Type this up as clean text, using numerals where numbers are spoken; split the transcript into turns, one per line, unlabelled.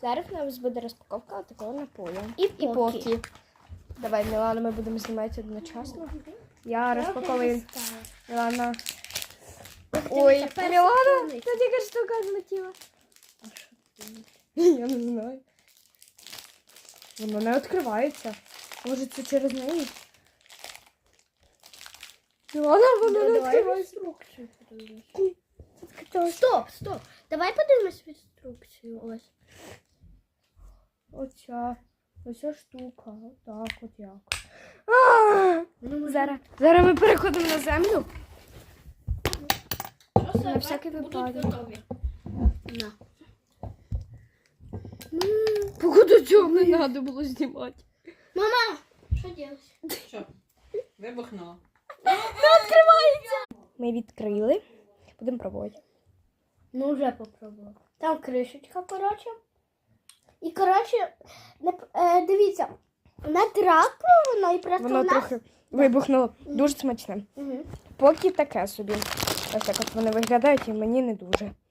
Зараз у нас буде розпаковка такого напою.
І
поки. Давай, Мілана, ми будемо знімати одночасно. Я розпаковую. Мілана. Ой, Мілана, це тільки штука злетіла. Я не знаю. Воно не відкривається. Може, це через неї? Мілана, воно не відкривається.
Стоп. Давай подивимось інструкцію. Ось.
Оця штука. Так, от як. Зараз ми переходимо на землю. На всякий випадок.
На.
Походу цього не треба було знімати.
Мама, що робиш?
Що? Вибухнуло.
Ми відкрили. Будемо пробувати.
Ну, вже попробувала. Там кришечка, коротше. І, коротше, дивіться, вона трапила, і просто
Воно трохи вибухнуло. Дуже смачне.
Угу.
Поки таке собі. Ось так от вони виглядають і мені не дуже.